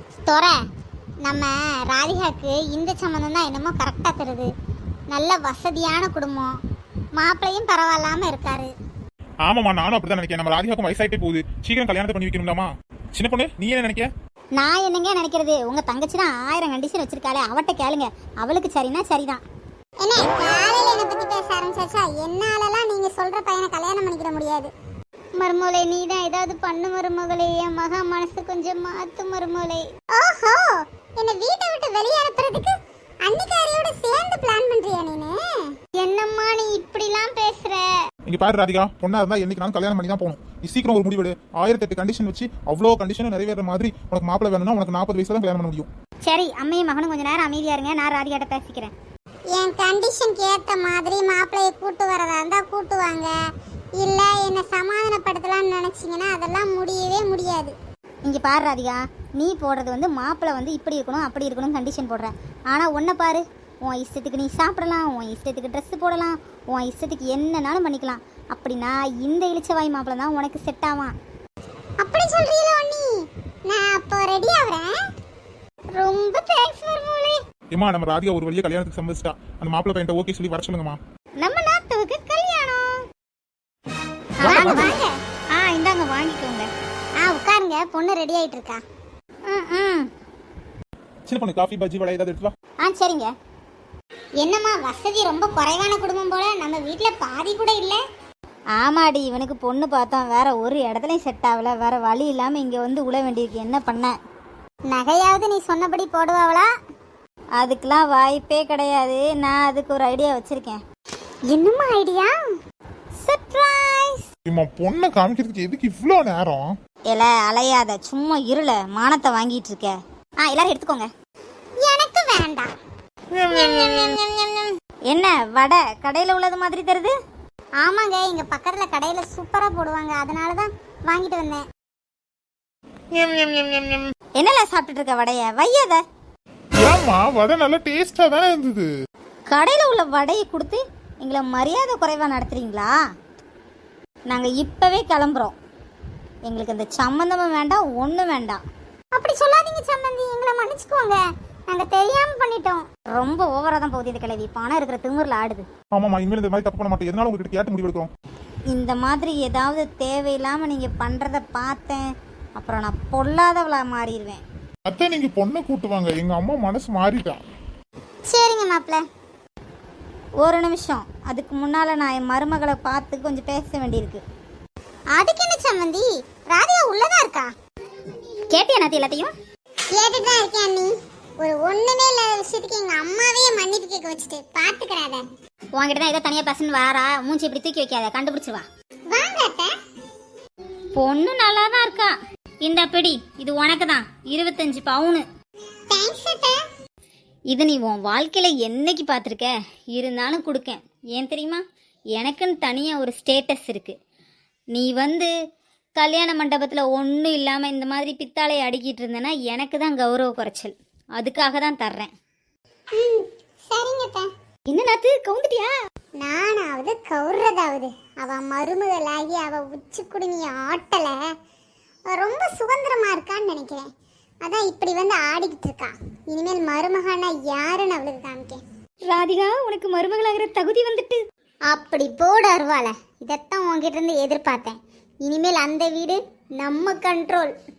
தொற நம்ம ராதிகாவுக்கு இந்த சம்மந்தம் தான் என்னமோ கரெக்டாக தருது. நல்ல வசதியான குடும்பம், மாப்பிள்ளையும் பரவாயில்லாம இருக்காரு. ஆமாம்மா, நானும் அப்படிதான் நினைக்கிறேன். நம்ம ராதிகாவுக்கும் வயசாயிட்டே போகுது, சீக்கிரம் கல்யாணத்தை பண்ணி வைக்கணும்டாமா. சின்ன பொண்ணு, நீ என்ன நினைக்க? நான் என்னங்க நினைக்கிறது, உங்க தங்கச்சி தான் 1000 கண்டிஷன் வச்சிருக்காளே, அவட்ட கேளுங்க. அவளுக்கு சரினா சரிதான். என்ன காலையில என்ன பத்தி பேச ஆரம்பிச்சாச்சா? என்னாலலாம் நீங்க சொல்ற பையனை கல்யாணம் பண்ணிக்கிற முடியாது. மருமோளே, நீ தான் ஏதாவது பண்ணு மருமகளே. என் மகா மனசு கொஞ்சம் மாத்து மருமோளே. ஓஹோ, என்ன வீட்டை விட்டு வெளியே அனுப்புறதுக்கு அன்னிக்காரியோட சேர்ந்து பிளான் பண்றியா நீனு? என்னம்மா நீ இப்படிலாம் பேசுற? இங்க பாரு ராதிகா, பொண்ணா இருந்தா என்னைக்கு நான் கல்யாணம் பண்ணி தான் போகணும். நீ சீக்கிரம் ஒரு முடிவெடு. 1008 கண்டிஷன் வச்சு அவ்வளோ கண்டிஷனும் நிறைவேற மாதிரி உனக்கு மாப்பிள்ளை வேணும்னா உனக்கு 40 வயசுல தான் கல்யாணம் பண்ண முடியும். சரி, அம்மையும் மகனும் கொஞ்ச நேரம் அமைதியா இருங்க, நான் ராதிகாட்ட பேசிக்கிறேன். என் கண்டிஷனுக்கு ஏற்ற மாதிரி மாப்பிள்ளையை கூட்டு வரதா இருந்தா கூட்டுவாங்க, இல்ல என்ன சமாதானப்படுத்தலாம்னு நினைச்சீங்கன்னா அதெல்லாம் முடியவே முடியாது. இங்க பாரு ராதிகா, நீ போடுறது மாப்பிள்ளை இப்படி இருக்கணும் அப்படி இருக்கணும் கண்டிஷன் போடுற. ஆனா உன்னை பாரு, உன் இஷ்டத்துக்கு நீ சாப்பிடலாம், உன் இஷ்டத்துக்கு ட்ரெஸ் போடலாம், உன் இஷ்டத்துக்கு என்னன்னாலும் பண்ணிக்கலாம். அப்படின்னா இந்த இளிச்சவாய் மாப்பிள்ளை தான் உனக்கு செட் ஆவான். அப்படி சொல்றீங்களோ நீ? நான் அப்போ ரெடி ஆவறேன். ரொம்ப தேங்க்ஸ் மருமகளே. ஏமா, நம்ம ராதிகா ஒரு வழியா கல்யாணத்துக்கு சம்மதிச்சிட்டா. அந்த மாப்பிள்ளை பையன்ட்ட ஓகே சொல்லி வர சொல்லுங்கம்மா. நம்ம நாத்துவுக்கு கல்யாணம். வாங்க வாங்க. இந்தாங்க வாங்கிக்கோங்க. உட்காருங்க, பொண்ணு ரெடி ஆயிட்டு இருக்கா. சின்ன பொண்ணு, காஃபி பஜ்ஜி வடை ஏதாவது எடுத்து வா. சரிங்க. என்னம்மா வசதி ரொம்ப குறைவான குடும்பம் போல, நம்ம வீட்ல பாதி கூட இல்ல. ஆமாடி, இவனுக்கு பொண்ணு பார்த்தோம், வேற ஒரு இடத்துலயும் செட் ஆகல, வேற வழி இல்லாம இங்க உழ வேண்டியிருக்கு. என்ன பண்ண? நகையாவது நீ சொன்னபடி போடுவாங்களா? அதுக்கெல்லாம் வாய்ப்பே கிடையாது. நான் அதுக்கு ஒரு ஐடியா வச்சிருக்கேன். என்னம்மா ஐடியா? சர்ப்ரைஸ். இம்மா, பொண்ணை காமிக்கிறதுக்கு எதுக்கு இவ்ளோ நேரம்? இல்ல அலையாத, சும்மா இருள மானத்தை வாங்கிட்டு இருக்க. எல்லாரும் எடுத்துக்கோங்க. எனக்கு வேண்டாம். என்ன வடை கடையில உள்ளது மாதிரி தெரியுது? ஆமாங்க, இங்க பக்கத்துல கடையில சூப்பரா போடுவாங்க, அதனாலதான் வாங்கிட்டு வந்தேன். என்னல சாப்பிட்டுட்டு இருக்க வடைய? வையாத. ஏம்மா, வடை நல்லா டேஸ்டா தானே இருந்தது. கடையில உள்ள வடையை கொடுத்து எங்களை மரியாதை குறைவா நடத்துறீங்களா? நாங்க இப்பவே கிளம்புறோம். எங்களுக்கு அந்த சம்பந்தமும் வேண்டாம், ஒண்ணும் வேண்டாம். அப்படி சொல்லாதீங்க சம்பந்தி, எங்களை மன்னிச்சுக்கோங்க, நாங்க தெரியாம பண்ணிட்டோம். ரொம்ப ஓவரா தான் போகுது இந்த கிழவி, பணம் இருக்கிற திமிர்ல ஆடுது. ஆமாமா, இனிமேல் இந்த மாதிரி தப்பு பண்ண மாட்டேன். எதனால உங்ககிட்ட கேட்டு முடிவு எடுக்கிறோம். இந்த மாதிரி ஏதாவது தேவையில்லாம நீங்க பண்றத பார்த்தேன், அப்புறம் நான் பொல்லாதவளா மாறிடுவேன். அத்தை, நீங்க பொண்ணை கூட்டுவாங்க, எங்க அம்மா மனசு மாறிட்டா. சரிங்க மாப்பிள்ள, ஒரு நிமிஷம். அதுக்கு முன்னால நான் என் மருமகளை பார்த்து கொஞ்சம் பேச வேண்டியிருக்கு. அதுக்கு என்ன சம்மந்தி, ராதிகா உள்ளதா இருக்கா? கேட்டியா நாத்தி? எல்லாத்தையும் கேட்டுட்டு தான் இருக்கேன். நீ ஒரு ஒண்ணுமே இல்லாத விஷயத்துக்கு எங்க அம்மாவே மன்னிப்பு கேட்க வச்சுட்டு பாத்துக்கறாத. உன்கிட்ட தான் ஏதோ தனியா பசங்க வாரா, மூஞ்சி இப்படி தூக்கி வைக்காத, கண்டுபிடிச்சிருவா. வாங்க அத்தை. பொண்ணு நல்லா தான் இருக்கா. இந்த பிடி, இது உனக்கு தான். 25 பவுன். தேங்க்ஸ் அத்தை. இது நீ உன் வாழ்க்கையில என்னைக்கு பார்த்துருக்க? இருந்தாலும் கொடுக்கேன். ஏன் தெரியுமா? எனக்குன்னு தனியா ஒரு ஸ்டேட்டஸ் இருக்கு. நீ கல்யாண மண்டபத்தில் ஒன்றும் இல்லாமல் இந்த மாதிரி பித்தாளையை அடிக்கிட்டு இருந்தேன்னா எனக்கு தான் கௌரவ குறைச்சல். அதுக்காக தான் தர்றேன். சரிங்க. என்ன நாத்து கவுந்துட்டியா? நானாவது கவுறதாவது, அவ மருமகளாகி அவ உச்சி குடுமிய ஆட்டலை ரொம்ப சுதந்திரமா இருக்கான்னு நினைக்கிறேன். அதான் இப்படி ஆடிக்கிட்டு இருக்கா. இனிமேல் மருமகானா யாருன்னு அவளுக்கு காமிக்கேன். ராதிகா, உனக்கு மருமகளாகிற தகுதி வந்துட்டு. அப்படி போடு அருவாள, இதைத்தான் உங்ககிட்ட இருந்து எதிர்பார்த்தேன். இனிமேல் அந்த வீடு நம்ம கண்ட்ரோல்.